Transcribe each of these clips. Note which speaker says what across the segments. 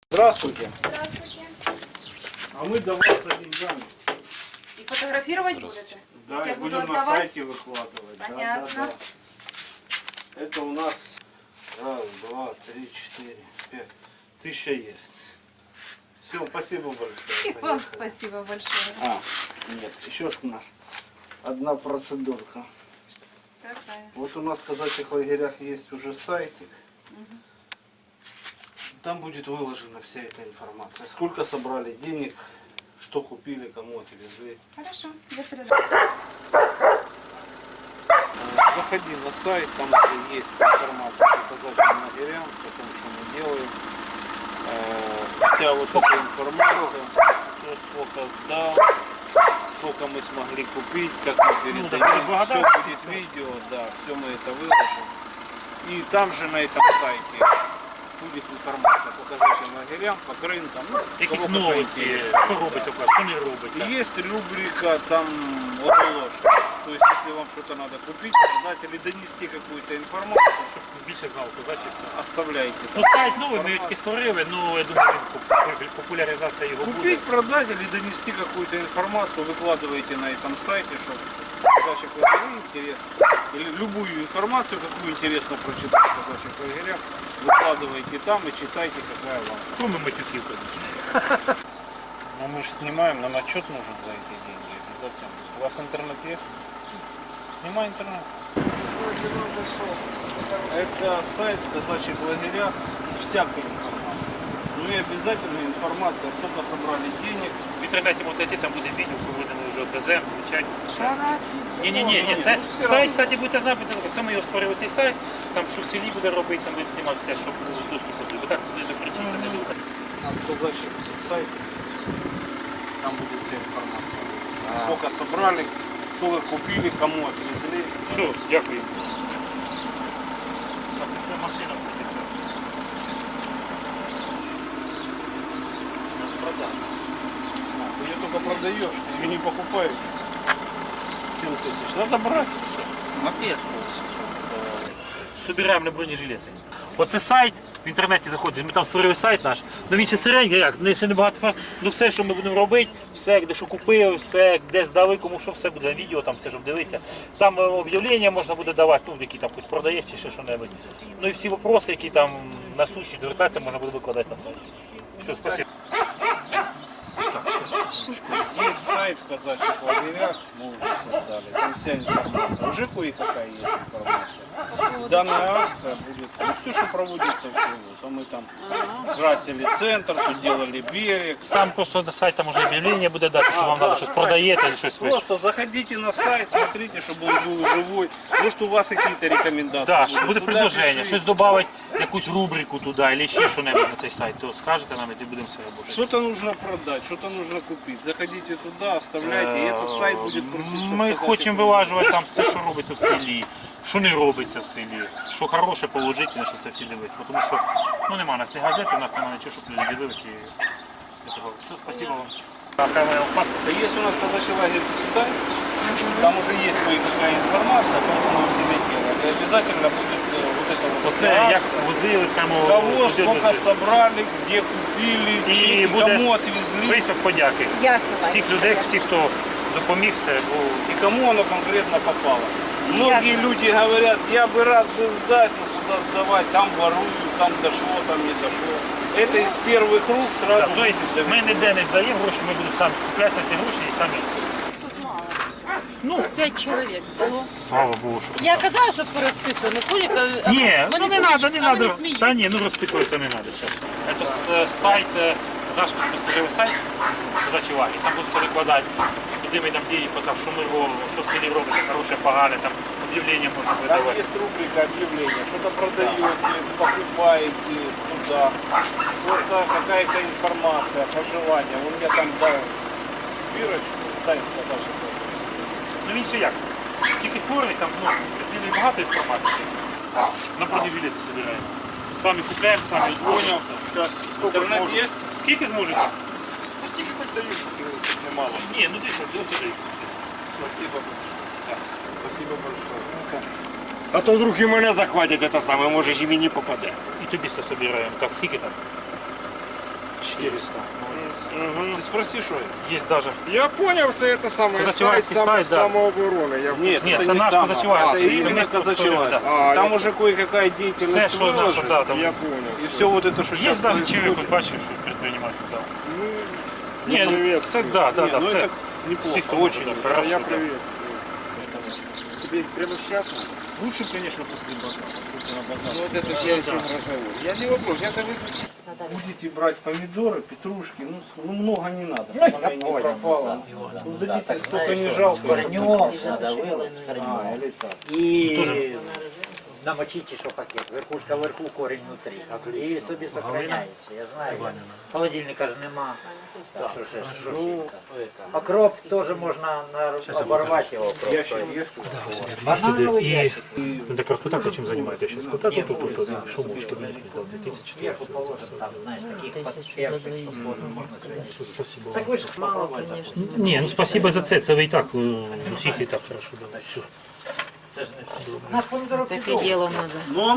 Speaker 1: Здравствуйте.
Speaker 2: Здравствуйте.
Speaker 1: А мы до вас за деньгами.
Speaker 2: И фотографировать будете?
Speaker 1: Да,
Speaker 2: Я
Speaker 1: и
Speaker 2: буду
Speaker 1: будем на
Speaker 2: отдавать?
Speaker 1: сайте выкладывать.
Speaker 2: Понятно.
Speaker 1: Да, да, да. Это у нас раз, два, три, четыре, пять. 1000 есть. Все, спасибо большое.
Speaker 2: И вам спасибо большое.
Speaker 1: Нет, еще ж у нас одна процедурка.
Speaker 2: Какая?
Speaker 1: Вот у нас в казачьих лагерях есть уже сайтик. Там будет выложена вся эта информация. Сколько собрали денег, что купили, кому отвезли.
Speaker 2: Хорошо, я передам.
Speaker 1: Заходи на сайт, там уже есть информация по казачьим лагерям, о том, что мы делаем. Вся вот эта информация, кто сколько сдал, сколько мы смогли купить, как мы передаем. Все будет видео, да, все мы это выложим. И там же на этом сайте буде інформація по казачим лагерям, по ринкам. Ну,
Speaker 3: якісь новості, що робиться, що не робиться.
Speaker 1: Есть рубрика там оголошення. То есть, если вам что-то надо купить, продать или донести какую-то информацию,
Speaker 3: Щоб більше знав козачівця.
Speaker 1: оставляйте.
Speaker 3: Ну сайт новий, ми тільки створили, ну я думаю, популяризація його буде.
Speaker 1: Купить, продать или донести какую-то информацию, выкладываете на этом сайте, чтобы казачьих лагерей интересно. Или любую информацию, какую интересно прочитать в казачьих лагерях, выкладывайте там и читайте, какая вам.
Speaker 3: Кроме матюків, звісно.
Speaker 1: Но мы же снимаем, нам отчет нужен за эти деньги обязательно. У вас интернет есть? Нема интернета. Это сайт в казачьих лагерях, всякая информация. Ну и обязательно информация, сколько собрали денег.
Speaker 3: В інтернеті можете там буде відео, коли ми вже відвеземо, включать. Ні, це сайт, кстати, будете знати, це ми його створили цей сайт, там що в селі буде робитися, ми знімати все, щоб було доступу. Бо так не докричися, не буде.
Speaker 1: На казачьих сайт, там будет вся информация. Сколько собрали, сколько купили, кому отвезли.
Speaker 3: Все, дякую. Так, це машина буде.
Speaker 1: Нас продали. Ты ее только продаешь, ты ее не покупаешь. 7000. Надо брать и все. Мопед.
Speaker 3: Собираємо на бронежилети. Оце сайт, в інтернеті заходить, ми там створили сайт наш, ну він ще середній, як, ще небагато, ну все, що ми будемо робити, все, де що купили, все, де здали, кому що, все буде на відео, там все, щоб дивитися. Там об'явлення можна буде давати, ну, які там хоч продаєш чи ще що-небудь. Ну і всі питання, які там насущні, звертатися, можна буде викладати на сайт. Все, спасибо.
Speaker 1: Есть сайт в казачьих лагерях, мы уже создали, там вся информация. Уже кое-какая есть информация. Данная акция будет, ну, все, что проводится в селу. То мы там красили центр, тут делали берег.
Speaker 3: Там просто на сайт там уже об'явлення буде дати, якщо вам треба щось продаєте або щось ви.
Speaker 1: Просто заходите на сайт, смотрите, чтобы он был живой. Может, у вас какие-то рекомендации
Speaker 3: Так,
Speaker 1: будут.
Speaker 3: буде
Speaker 1: Туда
Speaker 3: предложення,
Speaker 1: пишите.
Speaker 3: щось додати, якусь рубрику туди, або ще щось на цей сайт, то скажете нам і будемо все робити.
Speaker 1: Что-то нужно продать, что-то нужно купить. Заходите туда, оставляйте, и этот сайт будет крутиться.
Speaker 3: Ми
Speaker 1: в казачьих
Speaker 3: хочемо
Speaker 1: лагерях.
Speaker 3: вилажувати там все, що робиться в селі, що не робиться в селі, що хороше, положительне, щоб це всі дивилися. Тому що ну, нема у нас ні газети, у нас немає нічого, щоб люди дивилися. Все, спасибо вам.
Speaker 1: Да есть у нас казачий лагерский сайт, там уже есть кое-какая информация о том, что мы в селе делаем. И обязательно будет вот это вот
Speaker 3: Оце
Speaker 1: вся
Speaker 3: як
Speaker 1: акция.
Speaker 3: возили там
Speaker 1: С кого, сколько собрали, где купили,
Speaker 3: і
Speaker 1: чеки,
Speaker 3: буде
Speaker 1: кому отвезли.
Speaker 3: список подяки.
Speaker 4: Ясно.
Speaker 3: Всіх людей, всіх, хто допоміг, все.
Speaker 1: И кому оно конкретно попало. Многие люди говорят, я бы рад бы сдать, но куда сдавать, там воруют, там дошло, там не дошло. Это из первых рук сразу.
Speaker 3: Так, тобто ми ніде не здаємо гроші, ми будемо самі скупляти ці гроші і самі.
Speaker 5: Ну, 5 чоловік було.
Speaker 3: Слава Богу, що.
Speaker 5: Я казала, щоб порозписували, не Толік, а
Speaker 3: Ні, ну
Speaker 5: вони
Speaker 3: не
Speaker 5: сміють,
Speaker 3: треба, не
Speaker 5: а вони
Speaker 3: треба.
Speaker 5: сміють.
Speaker 3: Та ні, ну розписуватися не треба зараз. Це сайт, наш створили сайт, казачий лагерь, там будуть все викладати, куди ми там діємо, там, що ми робимо, що в селі робиться, хороше, погане, там об'явлення можна
Speaker 1: Там
Speaker 3: видавати.
Speaker 1: есть рубрика объявления, что-то продаете, покупаете туда, что-то, какая-то информация, пожелания. Он мне там дал бирочку, сайт казачий.
Speaker 3: Ну він ще як? Тільки створений, там ну, цілі багато інформації. На бронежилети збираємо. Самі купляємо, самі
Speaker 1: Понял. Сейчас. Интернет есть?
Speaker 3: Скільки зможете?
Speaker 1: Сколько хоть даю, чтобы немало.
Speaker 3: Ні, ну десь до сюди.
Speaker 1: Спасибо. Спасибо большое.
Speaker 6: А то вдруг і мене захватять, це саме, може, і мені попаде.
Speaker 3: І тобі що збираємо. Так, скільки там?
Speaker 1: 400. Ты спроси, что это?
Speaker 3: Є даже.
Speaker 6: Я понял, все это самое сайт,
Speaker 3: Казачевальский сайт, да.
Speaker 6: самообороны. Я...
Speaker 1: Нет,
Speaker 3: Нет,
Speaker 1: это
Speaker 3: это
Speaker 1: не
Speaker 3: наш
Speaker 1: сам.
Speaker 3: Казачевальский.
Speaker 1: Это
Speaker 3: Это
Speaker 1: именно
Speaker 3: место,
Speaker 1: Казачевальский.
Speaker 3: да.
Speaker 6: А,
Speaker 1: Там
Speaker 6: я-
Speaker 1: уже кое-какая
Speaker 3: Все,
Speaker 1: деятельность
Speaker 3: що наше,
Speaker 1: выложена.
Speaker 3: да, там.
Speaker 6: Я понял.
Speaker 1: И все вот это, что
Speaker 3: Є
Speaker 1: сейчас
Speaker 3: навіть чоловік,
Speaker 1: происходит.
Speaker 3: бачив, що предприниматель, да.
Speaker 6: Ну,
Speaker 3: Ні, ну,
Speaker 6: привет.
Speaker 3: це, да, да,
Speaker 1: Не,
Speaker 3: да,
Speaker 1: ну
Speaker 3: це
Speaker 1: это неплохо,
Speaker 3: всіх
Speaker 1: очень
Speaker 3: да,
Speaker 1: неплохо.
Speaker 3: хорошо,
Speaker 6: я
Speaker 3: да.
Speaker 6: привет. Тебе прямо сейчас надо?
Speaker 1: Лучше, конечно, после базара. После на базар.
Speaker 6: Ну, вот это следующий разговор. Я не вопрос, я согласен.
Speaker 1: Будете брать помидоры, петрушки, ну много не надо, чтобы она не пропала. Ну дадите сколько не жалко.
Speaker 4: Корнем надо вылить с корнем.
Speaker 1: Или так.
Speaker 4: И намочите, что пакет. Верхушка вверху, корень внутри. І собі сохраняється. Я знаю. Холодильника ж нема. Так, що ще ж окроп теж можна оборвати його
Speaker 1: Ящик
Speaker 4: просто.
Speaker 1: есть?
Speaker 4: Банановий
Speaker 3: І
Speaker 4: ящик.
Speaker 3: ну, так вот так чим займаєтесь зараз? Вот так тут шумочки вниз дав 2004.
Speaker 4: Є положено там, знаєш, таких подспевших, що можна сказати.
Speaker 3: Спасибо.
Speaker 4: Так ви ж мало, конечно.
Speaker 3: Ні, ну спасибо за це. Це ви і так усіх і так хорошо дали. Все.
Speaker 4: Наш помідорок
Speaker 5: Таке діло треба.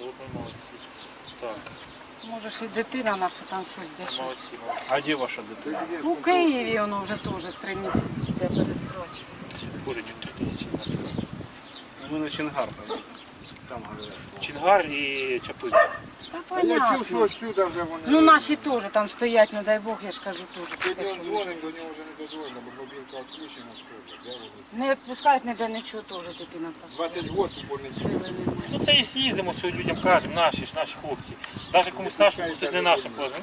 Speaker 3: Так,
Speaker 5: Може ж і дитина наша там щось десь.
Speaker 3: молодці.
Speaker 1: А где ваша дитина?
Speaker 5: У Києві воно вже теж 3 місяці це перестрочено.
Speaker 3: Боже, чуть 3000 написав.
Speaker 1: Мы на Чингар поедем. Там говорят.
Speaker 3: Чингар і Чапин.
Speaker 5: Та
Speaker 6: А я чув, що
Speaker 5: понятно.
Speaker 6: отсюда вже вони...
Speaker 5: Ну наші теж там стоять, не дай Бог, я ж кажу теж.
Speaker 6: Сьогодні
Speaker 5: таке, що
Speaker 6: дзвонимо, до нього вже не дозволено, бо мобілка відключена, все, де вони?
Speaker 5: не відпускають ніде нічого теж дитина там.
Speaker 6: 20 років вони
Speaker 5: Сили немає.
Speaker 3: Ну це і їздимо сьогодні людям кажемо, наші хлопці. Навіть комусь нашим, хтось не нашим позвонив.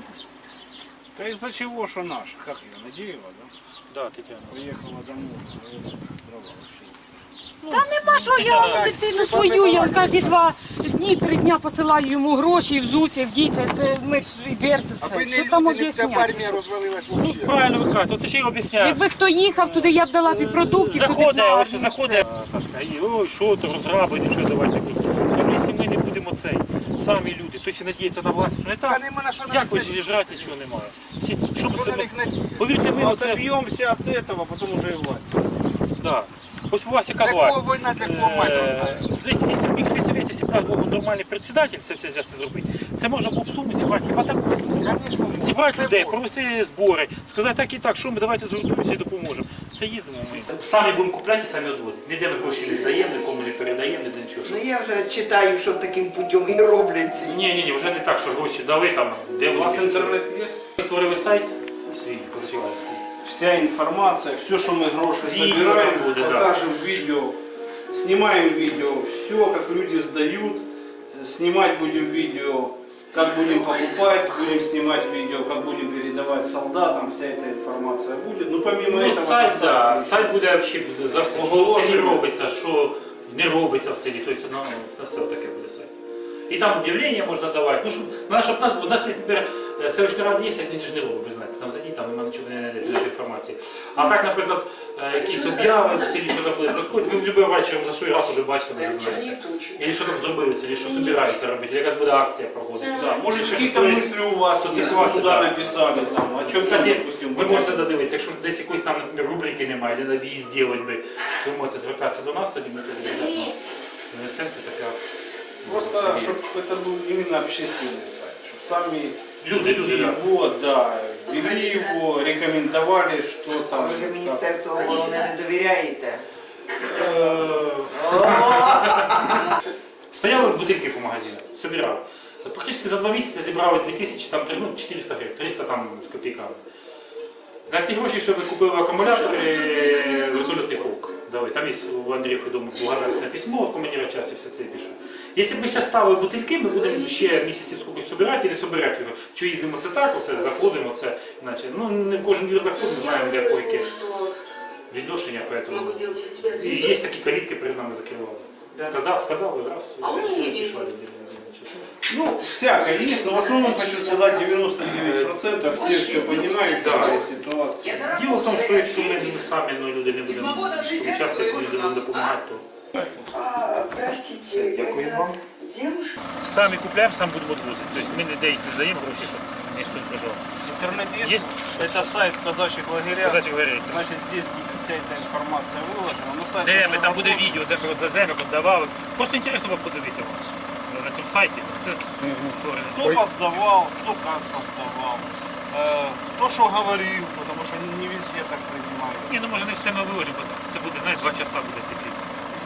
Speaker 1: Да из-за чего, что наш? Как ее, Надеева, да?
Speaker 3: Да, Тетяна.
Speaker 1: Приехала домой, дрова вообще.
Speaker 5: Та нема що, я вам дитину свою, я кожні 2 дні, 3 дня посилаю йому гроші, і взуться, і вдіться, це ми ж і берці
Speaker 6: Аби
Speaker 5: все.
Speaker 6: не
Speaker 5: Що там
Speaker 6: люди, не вся
Speaker 5: об'ясняти?
Speaker 6: армія розвалилась взагалі.
Speaker 3: Правильно ви кажете, оце ще й об'ясняю.
Speaker 5: Якби хто їхав туди, я б дала б і продуктів, туди б
Speaker 3: Заходить,
Speaker 5: на
Speaker 3: ось
Speaker 5: армію,
Speaker 3: заходить,
Speaker 5: все.
Speaker 3: Сашка, і ой, що то розграби, нічого давай такий. Кажу, якщо ми не будемо цей, самі люди, то всі надіються на власть, що не
Speaker 6: Та
Speaker 3: так.
Speaker 6: нема на що
Speaker 3: Як ви
Speaker 6: навіть
Speaker 3: жрати, нічого немає. Всі, що ми
Speaker 6: що на
Speaker 3: себе,
Speaker 6: них надіяти.
Speaker 3: повірте, ми оце,
Speaker 1: Отобьемся от этого, потом уже и власть.
Speaker 3: да. Ось у вас яка
Speaker 6: Для
Speaker 3: власть.
Speaker 6: кого війна, для кого мать?
Speaker 3: Якщо б якщо совєті, якщо б у нас був нормальний председатель, це все взявся зробити, це можна було б суму зібрати, хіба так
Speaker 6: Конечно,
Speaker 3: зібрати
Speaker 6: це
Speaker 3: людей,
Speaker 6: можна.
Speaker 3: провести збори, сказати так і так, що ми давайте згуртуємося і допоможемо. Це їздимо ми. Самі будемо купляти і самі відвозити. Ніде ми гроші не здаємо, нікому не передаємо, ніде нічого.
Speaker 7: Ну я вже читаю, що таким путем і роблять ці.
Speaker 3: Ні, вже не так, що гроші дали там, де
Speaker 1: У вас
Speaker 3: вони, що.
Speaker 1: интернет есть?
Speaker 3: Створили сайт свій Казачевальський.
Speaker 1: Вся информация, все, что мы гроши
Speaker 3: Видео
Speaker 1: собираем,
Speaker 3: там будет, да.
Speaker 1: покажем видео, снимаем видео, все, как люди сдают, снимать будем видео, как будем покупать, будем снимать видео, как будем передавать солдатам, вся эта информация будет. Ну, помимо
Speaker 3: Ну,
Speaker 1: этого...
Speaker 3: сайт,
Speaker 1: на
Speaker 3: да.
Speaker 1: сайте
Speaker 3: Сайт буде взагалі буде за все, що в
Speaker 1: Оголошення.
Speaker 3: селі робиться, що не робиться в селі, тобто на все таке буде сайт. І там об'явлення можна давати. Ну, щоб у нас є тепер селищна рада є, а він ж не робить, ви знаєте, там зайдіть, там немає нічого, не знайдете інформації. А так, наприклад, якісь об'яви в селі, що заходить, проходить, ви в будь-який вечір за свій раз вже бачите, вже знаєте. Або що там зробили в селі, що збираються робити, якась буде акція проходити.
Speaker 1: Да, может,
Speaker 3: Ще
Speaker 1: какие-то
Speaker 3: хтось-
Speaker 1: мысли у вас,
Speaker 3: хтось
Speaker 1: если
Speaker 3: вас,
Speaker 1: вы туда
Speaker 3: да.
Speaker 1: написали, там, о чем
Speaker 3: Кстати,
Speaker 1: допустим,
Speaker 3: ви можете додивитися, якщо десь якоїсь там, наприклад, рубрики немає, де на в'їзд зробити би, то ви можете звертатися до нас, тоді ми тоді обов'язково внесемо це таке.
Speaker 1: Просто, чтобы это был именно общественный сайт, чтобы сами
Speaker 3: Люди, да.
Speaker 1: его, да, вели его, рекомендовали, что там.
Speaker 7: Ви вже Міністерство оборони не довіряєте.
Speaker 3: Стояли бутильки по магазинах, собирали. Практично за 2 місяці зібрали 2000, там, 400 гривень, 300 там з копійками. На ці гроші, щоб купили акумулятори, вертольотний полк дали. Там є у Андрія Федома благодарственне письмо, командира часті все це пишу. Якщо б ми зараз ставили бутильки, ми будемо ще місяців скільки збирати і не збирати його. Що їздимо це так, оце заходимо, це, іначе. Ну, не в кожен двір заходимо, знаємо, де яке відношення, поэтому. І є такі калітки перед нами закривали. Сказав, раз, пішла.
Speaker 1: Ну, всякое есть, но в основном хочу сказать 99% все понимают, да, ситуация.
Speaker 3: Діло в тому, що якщо ми самі люди не будемо участвувати, люди будемо допомагати, то
Speaker 7: Простите,
Speaker 3: дякую вам.
Speaker 7: девушка?
Speaker 3: Самі купляємо, сам будемо відвозити. Тобто ми ніде їх не здаємо гроші, щоб ніхто не прожив.
Speaker 1: Интернет есть?
Speaker 3: Есть.
Speaker 1: Это сайт казачьих лагеря.
Speaker 3: Казачі говорять.
Speaker 1: Значит, здесь будет вся эта информация выложена. На сайте
Speaker 3: Де ми,
Speaker 1: можно
Speaker 3: там буде відео, де ми веземо, як давали. Просто інтересно вам подивитися на цьому сайті. Це створено.
Speaker 1: Кто поздавал, кто как поздавал. кто что говорил, потому что не везде так принимают.
Speaker 3: Ні, ну може не все ми виложимо, бо це буде, знаєш, 2 часа буде цей фільм.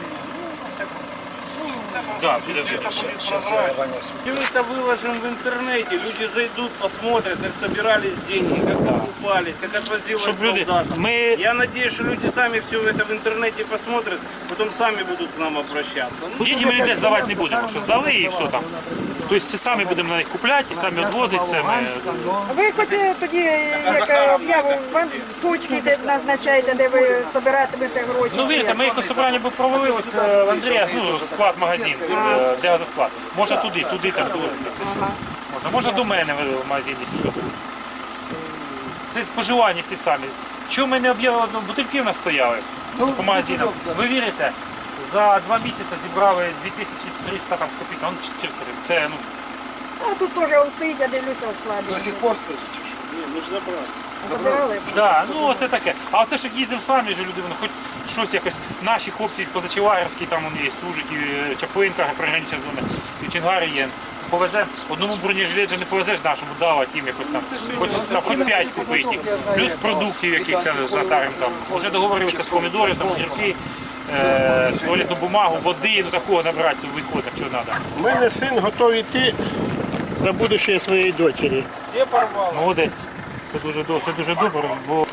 Speaker 3: Да, буде вже.
Speaker 1: Мы это выложим в интернете, люди зайдут, посмотрят, как собирались деньги, как покупались, как отвозилось
Speaker 3: Щоб люди,
Speaker 1: солдатам.
Speaker 3: ми
Speaker 1: Я надеюсь, что люди сами все это в интернете посмотрят, потом сами будут к нам обращаться. Ну,
Speaker 3: деньги ми ніде здавати не будемо, що здали і все там. Тобто це самі будемо на них купляти, і самі відвозити це.
Speaker 8: Ви хоч тоді, як об'яву, вам точки де назначаєте, де ви збиратимете гроші?
Speaker 3: Ну вірте, ми якось собрання би провели ось в Андрія, ну, склад магазин, де газосклад. Можна туди так звозити. Можна до мене в магазин, якщо що. Це споживання всі самі. Чому ми не об'явили, бутильки в нас стояли по магазинам? Ви вірите? За 2 місяці зібрали 2300 там, з копійками, 400 гривень. Це, ну,
Speaker 8: А тут теж стоїть, я дивлюся,
Speaker 6: До
Speaker 8: складно.
Speaker 6: сих пор стоїть чи що?
Speaker 1: мы же забрали.
Speaker 8: Забирали?
Speaker 3: да, ну оце таке. А оце ж як їздив самі ж люди, ну, хоч щось якось, наші хлопці з Позачеварській, там вони є, служать, і Чаплинка, пригранична зона, і Чонгари є. Повеземо, одному бронежилет же не повезеш нашому, дава тим якось там, хоч 5 купити їх. Плюс продуктів якихось затарим там. Вже договорилися з помідорів, там, огірки, туалетну бумагу, води, ну такого набратися в відходах, що треба.
Speaker 9: У мене син готовий йти за будущее своєї дочері.
Speaker 1: Где порвал?
Speaker 3: Молодець. Це дуже добре, бо...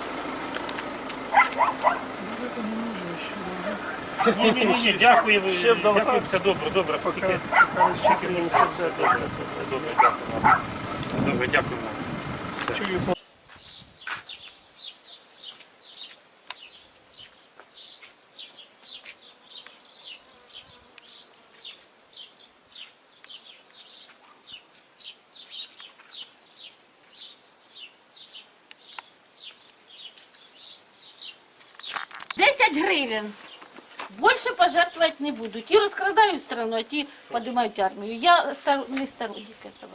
Speaker 3: Ні, дякую, все добре. Скільки мені все добре, дякую. Добре, дякую вам. Все.
Speaker 10: Гривен. Больше пожертвовать не буду. Ті розкрадають страну, а ті підіймають армію. Я не сторонник этого.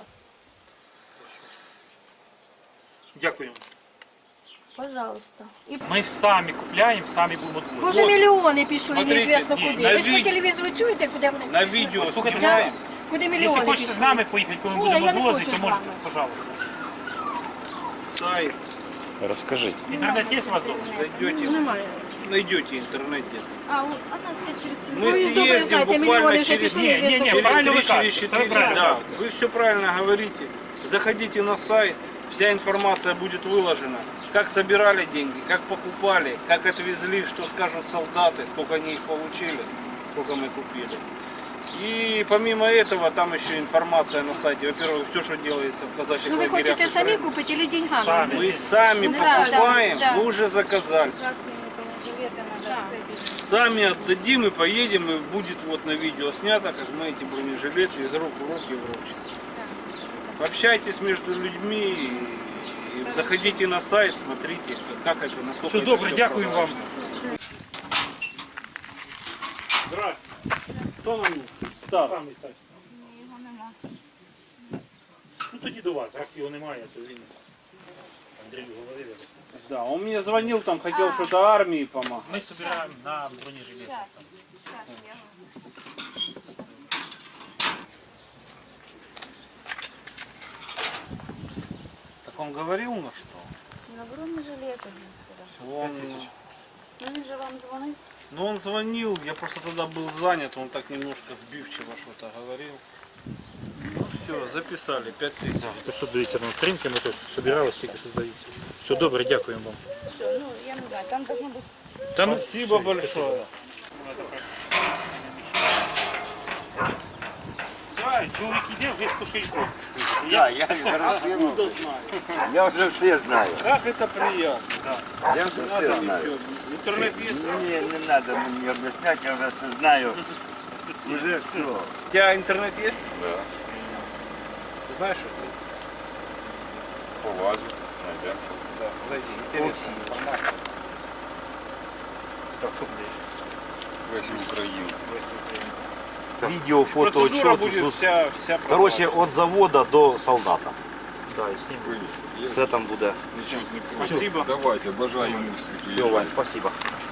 Speaker 3: Дякую.
Speaker 10: Пожалуйста. І
Speaker 3: Ми ж самі купляємо, самі будемо відвозити.
Speaker 5: Може мільйони пішли,
Speaker 1: Смотрите,
Speaker 5: неізвісно
Speaker 1: і
Speaker 5: куди.
Speaker 1: на
Speaker 5: Ви ж по
Speaker 1: від-
Speaker 5: телевізору чуєте, куди вони?
Speaker 1: На видео
Speaker 3: Слушайте,
Speaker 1: снимаем.
Speaker 5: Куди
Speaker 3: Якщо
Speaker 5: мільйони
Speaker 3: хочете з
Speaker 5: пішли?
Speaker 3: нами поїхати, коли ми
Speaker 5: Ні,
Speaker 3: будемо
Speaker 5: я не
Speaker 3: відвозити,
Speaker 5: хочу
Speaker 3: то
Speaker 5: з
Speaker 3: можете,
Speaker 5: вами.
Speaker 3: пожалуйста.
Speaker 1: Сайт.
Speaker 3: Інтернет є у вас вдома?
Speaker 1: Зайдете, найдете интернет где-то.
Speaker 10: А, от, а нас через
Speaker 1: Мы съездим буквально через
Speaker 3: Не,
Speaker 1: через
Speaker 3: правильно
Speaker 1: 3,
Speaker 3: вы кажете,
Speaker 1: через
Speaker 3: это
Speaker 1: 4.
Speaker 3: правильно
Speaker 1: Да,
Speaker 3: кажете.
Speaker 1: вы все правильно говорите. Заходите на сайт, вся информация будет выложена. Как собирали деньги, как покупали, как отвезли, что скажут солдаты, сколько они их получили, сколько мы купили. И помимо этого, там еще информация на сайте. Во-первых, все, что делается в казачьих
Speaker 5: Ну ви
Speaker 1: лагерях.
Speaker 5: хочете самі
Speaker 1: Украины.
Speaker 5: купити чи деньгами?
Speaker 3: Самі.
Speaker 1: Мы сами
Speaker 5: Да,
Speaker 1: покупаем,
Speaker 5: да.
Speaker 1: мы уже заказали. Сами отдадим и поедем, и будет вот на видео снято, как мы эти бронежилеты из рук в руки вручим. Общайтесь между людьми, и заходите на сайт, смотрите, как это, насколько
Speaker 3: Все
Speaker 1: это
Speaker 3: добре,
Speaker 1: всё
Speaker 3: дякую вам.
Speaker 1: прозрачно. Здравствуйте. Хто нам став?
Speaker 3: Самі стать. Ну тоді до вас, раз його немає, то він Андрій говорив. якось.
Speaker 1: Да, он мне звонил, там хотел что-то армии помогать.
Speaker 3: Ми збираємо на бронежилет.
Speaker 1: Так он говорил на что?
Speaker 10: На бронежилети.
Speaker 1: Он...
Speaker 10: Ну він же вам дзвонив.
Speaker 1: Ну он звонил, я просто тогда был занят, он так немножко сбивчиво что-то говорил. Ну все, записали, 5000.
Speaker 3: То що дивіться, на стрімки ми тут збиралися, тільки що здається. Все добре, дякуємо вам.
Speaker 10: Все, ну я не знаю, там должно бути.
Speaker 3: Та ну,
Speaker 1: Спасибо большое.
Speaker 3: Да, чоловік іде вже з кошельком.
Speaker 6: Да, я хорошо.
Speaker 1: Откуда знаю?
Speaker 6: Я вже все знаю.
Speaker 1: Как это приятно.
Speaker 6: Я вже все
Speaker 1: Надо
Speaker 6: знаю.
Speaker 1: ничего. Интернет есть?
Speaker 6: Мне не надо мне объяснять, я уже все знаю. Уже все.
Speaker 1: У тебя интернет есть?
Speaker 6: Да.
Speaker 1: Ты знаешь это?
Speaker 6: Полазу. Найдем.
Speaker 1: Да, зайди. Интересно. информация.
Speaker 3: Так, що буде?
Speaker 6: Весь Украину.
Speaker 11: Видео, фото,
Speaker 1: Процедура
Speaker 11: отчет.
Speaker 1: будет вся
Speaker 11: Короче,
Speaker 1: прозрачна.
Speaker 11: от завода до солдата.
Speaker 3: Да, і знімемо.
Speaker 11: Все там буде.
Speaker 1: Спасибо.
Speaker 6: Давайте, бажаю успіху.
Speaker 11: Все, Вань, спасибо.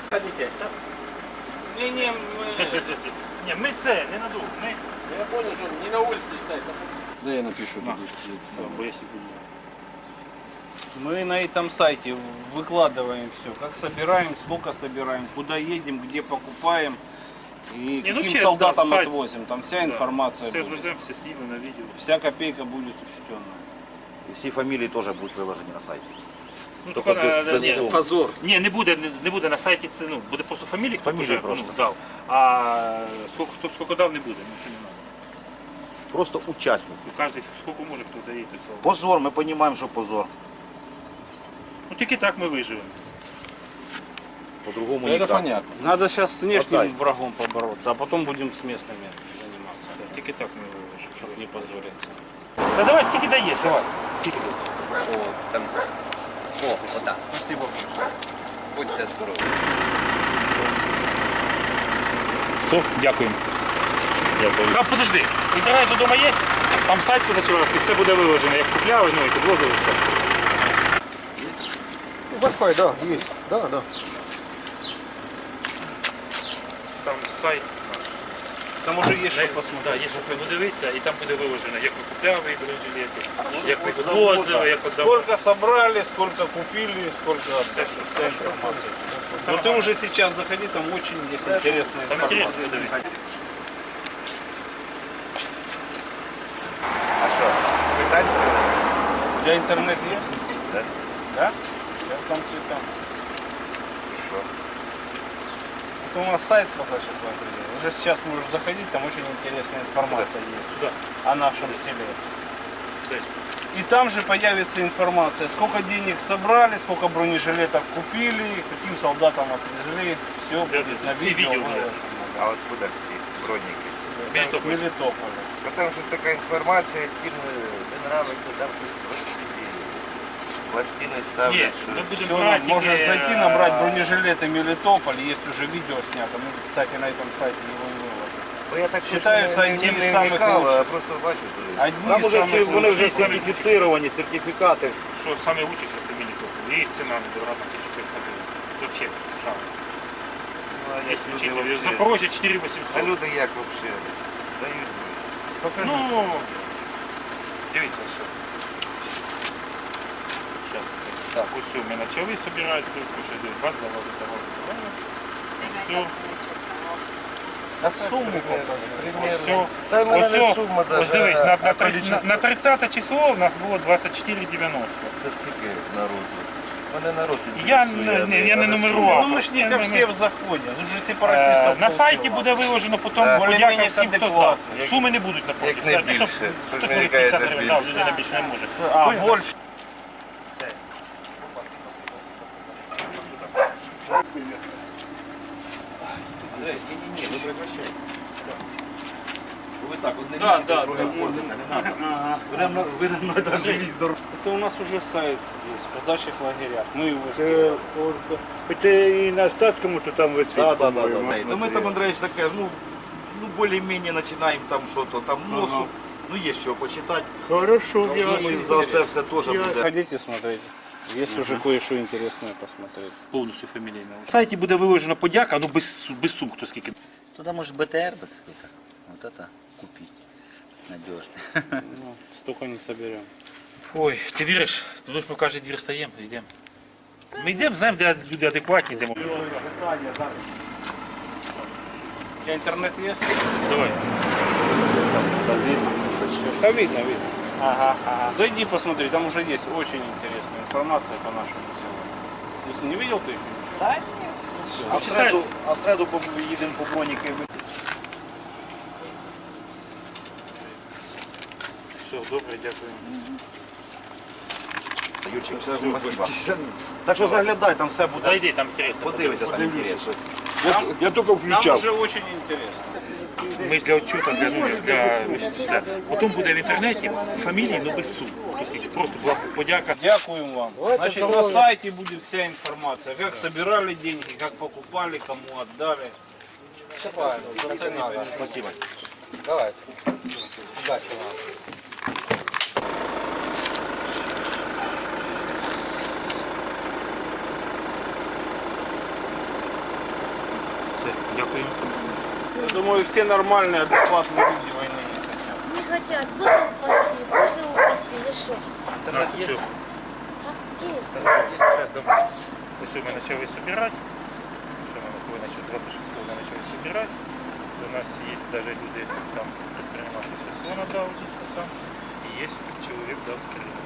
Speaker 1: Не, мы...
Speaker 3: Ні, ми це, не надовго. Ми...
Speaker 1: Я понял, что не на улице считается.
Speaker 6: Да я напишу.
Speaker 3: Бо я сьогодні.
Speaker 1: Мы на этом сайте выкладываем все, как собираем, сколько собираем, куда едем, где покупаем и
Speaker 3: Не, ну,
Speaker 1: каким
Speaker 3: честно,
Speaker 1: солдатам
Speaker 3: сайт.
Speaker 1: отвозим. Там вся информация
Speaker 3: Все
Speaker 1: будет.
Speaker 3: друзьям, все снимы на видео.
Speaker 1: Вся копейка будет учтенная.
Speaker 11: І всі фамілії теж будуть виложені на сайті.
Speaker 3: Ну,
Speaker 11: Тільки без
Speaker 3: ні,
Speaker 11: суму.
Speaker 1: Позор.
Speaker 3: ні, не буде на сайті, це ну, буде просто фамілія, хто
Speaker 11: Фамілія
Speaker 3: вже
Speaker 11: просто.
Speaker 3: дав. А скільки дав, не буде, ну це не треба.
Speaker 11: Просто учасники.
Speaker 3: Кожен скільки може, хто дає, то цього.
Speaker 11: Позор, ми розуміємо, що позор.
Speaker 3: Ну тільки так ми виживемо.
Speaker 11: По-другому
Speaker 1: Это
Speaker 11: ніяк.
Speaker 1: понятно. Надо сейчас с внешним
Speaker 11: Отдай.
Speaker 1: врагом побороться, а потом будем с местными заниматься,
Speaker 3: Тільки так ми виживемо.
Speaker 1: чтобы не позориться.
Speaker 3: Та давай, скільки даєш, давай. Скільки даєш?
Speaker 7: О, отак.
Speaker 1: Спасибо.
Speaker 7: Будьте здорові.
Speaker 3: Все, дякуємо. Там подожди, інтернет же вдома є? Там сайт позачерговський, все буде виложено, як купляли, ну і підвозили все.
Speaker 9: Wi-Fi, да, есть. Да, да.
Speaker 3: Там сайт наш.
Speaker 1: Там уже есть что
Speaker 3: Так,
Speaker 1: посмотреть.
Speaker 3: є що подивитися, і там буде виложено, як ми купляли бронежилети, як ми підвозили, як отдавали.
Speaker 1: Сколько собрали, сколько купили, сколько вся информация. Но ты уже сейчас заходи, там очень есть интересная
Speaker 3: Там
Speaker 1: информация.
Speaker 3: інтересно подивитися.
Speaker 11: А що, питань з'явилося?
Speaker 1: У тебя интернет есть?
Speaker 11: Да.
Speaker 1: Да? Я там ты там.
Speaker 11: Що?
Speaker 1: Это у нас сайт казачьих лагерей. Уже сейчас можешь заходить, там очень интересная информация есть
Speaker 3: Сюда.
Speaker 1: о нашем селе.
Speaker 3: Десь.
Speaker 1: И там же появится информация, сколько денег собрали, сколько бронежилетов купили, каким солдатам отвезли. Все будет на
Speaker 3: Все
Speaker 1: видео.
Speaker 3: видео
Speaker 1: выложено.
Speaker 6: А от куди ж ті броніки?
Speaker 1: Там с Мелитополя.
Speaker 6: Бо там щось така інформація, тим не нравиться, там щось просто ці пластини
Speaker 3: Ні,
Speaker 6: ставлять.
Speaker 3: ми
Speaker 6: що-
Speaker 3: будемо
Speaker 1: Все,
Speaker 3: брати
Speaker 1: можно
Speaker 3: тільки,
Speaker 1: зайти, набрать бронежилеты Мелитополь, есть уже видео снято. Мы, кстати, на этом сайте его и выложим.
Speaker 6: Бо я так
Speaker 1: Считаються
Speaker 6: точно
Speaker 1: одними
Speaker 6: не
Speaker 1: з самих
Speaker 6: вникав, а
Speaker 1: лучших.
Speaker 6: просто бачу.
Speaker 1: Одни
Speaker 11: Там
Speaker 1: из
Speaker 11: уже
Speaker 1: самых
Speaker 11: вони вже
Speaker 1: лучших.
Speaker 11: сертифіцировані, сертифікати.
Speaker 3: що саме учиться це Мелітополь. І ціна не дорога, там 1300 гривень. Це взагалі жах.
Speaker 6: Ну, а як
Speaker 3: Якщо
Speaker 6: люди
Speaker 3: вчити.
Speaker 6: вообще-
Speaker 3: Запорожжя
Speaker 6: А
Speaker 3: 4800.
Speaker 6: люди як взагалі? Дають.
Speaker 3: Ну, дивіться, все. Зараз. Так, ось все, ми почали збирати, тут ще десь баз давали. Все,
Speaker 1: Так сумму покажи.
Speaker 3: все.
Speaker 6: Та в мене
Speaker 3: Ось,
Speaker 6: не сума
Speaker 3: ось
Speaker 6: даже,
Speaker 3: дивись,
Speaker 6: количество.
Speaker 3: на 30 число у нас було 24,90.
Speaker 6: Це скільки народу? Мене народ
Speaker 3: Я
Speaker 6: інтересує,
Speaker 3: не- я не
Speaker 6: мене
Speaker 3: нумерував.
Speaker 1: Ну мы ж не ко
Speaker 3: Не,
Speaker 1: всем заходим. Тут же сепаратистов
Speaker 3: На сайті
Speaker 1: полсела.
Speaker 3: буде виложено потім
Speaker 6: Да.
Speaker 3: подяка
Speaker 1: Более-менее
Speaker 3: всім, хто здав.
Speaker 1: адекватно.
Speaker 3: Суми не будуть на
Speaker 6: Як не більше. Щось
Speaker 3: Хтось
Speaker 6: мені
Speaker 3: може
Speaker 6: кажеться
Speaker 3: 50 гривень,
Speaker 6: більше.
Speaker 3: так, людина більше не може.
Speaker 1: А,
Speaker 3: Понял?
Speaker 1: больше.
Speaker 3: Все.
Speaker 11: Ви так, одне
Speaker 1: Да,
Speaker 11: лічите,
Speaker 1: да,
Speaker 11: друге
Speaker 1: да.
Speaker 11: входите, не треба. Ви на це живі здорові.
Speaker 1: Это у нас уже сайт есть, в казачьих лагерях. Мы его сделали.
Speaker 9: Це і на статському, то там висить.
Speaker 11: Да, да, да,
Speaker 9: по-моєму,
Speaker 11: да. Ну ми там, Андреевич, таке, ну більш-менш починаємо там що-то, там носу, ну є що почитати.
Speaker 9: Хорошо,
Speaker 11: Ну, ми за це все теж буде.
Speaker 1: Ходите, смотрите. Есть уже кое-что интересное посмотреть.
Speaker 3: Повністю фамілійно. На сайті буде виложено подяка, ну без сум, хто скільки.
Speaker 7: Туда может БТР бы какой-то. Вот это купить. Надежно.
Speaker 1: Ну, столько не соберем.
Speaker 3: Ой, ти віриш? Туди ж ми кожен двір стаємо, йдемо. Ми йдемо, знаємо, де люди адекватні, йдемо.
Speaker 1: У тебя интернет есть?
Speaker 3: Давай.
Speaker 1: Да видно, видно. Ага, ага. Зайди посмотри, там уже есть очень интересная информация по нашему селу. Если не видел, то еще ничего.
Speaker 11: А в середу їдемо по броніки.
Speaker 3: Все, добре, дякую.
Speaker 11: Юрчик, все, спасибо. Так що заглядай, там все буде.
Speaker 3: Зайди, там інтересно.
Speaker 11: Подивися, там інтересно.
Speaker 9: Я тільки
Speaker 1: Там
Speaker 9: включав.
Speaker 1: уже очень интересно.
Speaker 3: Ми ж для отчета, для потім буде в інтернеті фамілії, ну без сум. Хто скільки, просто була подяка.
Speaker 1: Дякуем вам. Значит, на сайте будет вся информация, как собирали деньги, как покупали, кому отдали. Все правильно. Це не надо.
Speaker 11: Спасибо.
Speaker 1: Давайте. Удачи вам.
Speaker 3: Все, дякую.
Speaker 1: Я думаю, все нормальные, адекватные люди войны не хотят.
Speaker 10: Не хотят. Боже упаси, Боже упаси. Ви що?
Speaker 3: На, все. Сейчас домой. Все, мы начали собирать. Все, мы начали 26-го мы начали собирать. У нас есть даже люди, там предприниматель с Херсона дал, сам. И есть человек дал с Кирилла.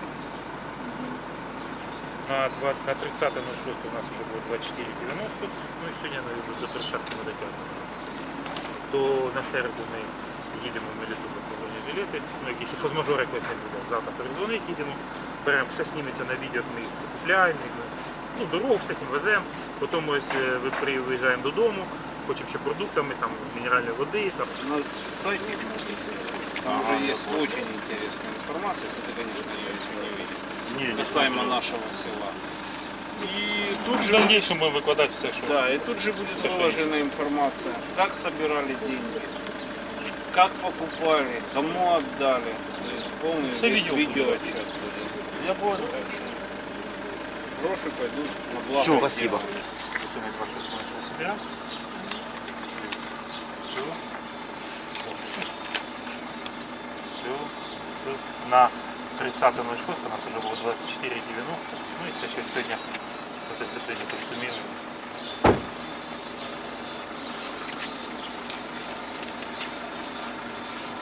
Speaker 3: На 30.06 у нас уже было 24.90, ну і сьогодні вже до 30 ми дотягнемо. То на середу ми їдемо в Мелітополь по бронежилети, ну якісь форс-мажори якось не буде. Завтра передзвонить, їдемо, беремо, все сніметься на відео, як ми їх закупляємо, ну дорогу, все з ним веземо, потім ось виїжджаємо додому, хочемо ще продуктами, там мінеральної води. Там.
Speaker 1: У нас сайт там уже есть очень интересная информация, если ты, конечно, ее еще не видел. Касаемо нашего села. И тут
Speaker 3: В
Speaker 1: же,
Speaker 3: дальнейшем будем выкладывать все, что...
Speaker 1: да, и тут же будет
Speaker 3: Все, что
Speaker 1: выложена информация, как собирали деньги, как покупали, кому отдали. То есть полный
Speaker 3: Все видео
Speaker 1: видеоотчет будет. Я понял. Так что гроши пойдут на благо.
Speaker 6: Все, спасибо.
Speaker 3: Сегодня 26 начали собирать. Все. На 30.06 у нас уже было 24.90. Ну и все, что сегодня, вот если сегодня подсуммировать.